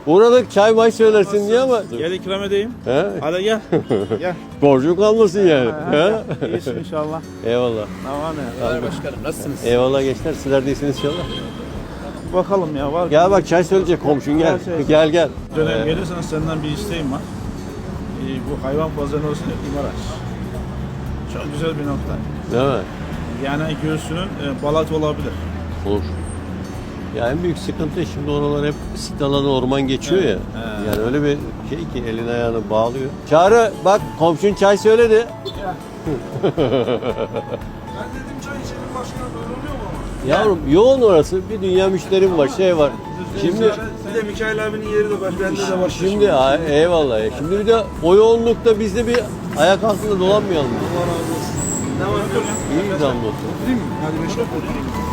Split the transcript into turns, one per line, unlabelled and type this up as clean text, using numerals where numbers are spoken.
Uğradık çay may söylersin diye ama.
Gel ikram edeyim.
He?
Hadi gel. Gel.
Borcun kalmasın yani. He?
İyisin inşallah.
Eyvallah.
Tamam ya.
Başkanım nasılsınız?
Eyvallah gençler. Sizler de iyisiniz inşallah.
Bakalım ya var.
Gel bak çay söyleyecek komşun gel. Gel gel.
Dönem gelirsen senden bir isteğim var. Bu hayvan pazarı olsun İmaraş. Çok güzel bir nokta.
Değil mi?
Yani göğsünün balat olabilir.
Olur. Ya en büyük sıkıntı şimdi oralar hep sit alanı orman geçiyor ya. Yani öyle bir şey ki elini ayağını bağlıyor. Çağrı bak komşun çay söyledi.
Ben dedim çay içelim başkanım, böyle oluyor mu ama?
Yavrum yoğun orası. Bir dünya müşterim var, şey var. Şimdi
Bir de Mikail abinin yeri de var, bende de var.
şimdi eyvallah. Şimdi bir de o yoğunlukta biz de bir ayak altında dolanmayalım.
Allah razı olsun. Ne var?
İyi bir damla olsun.
Değil mi? Hadi 5 dakika.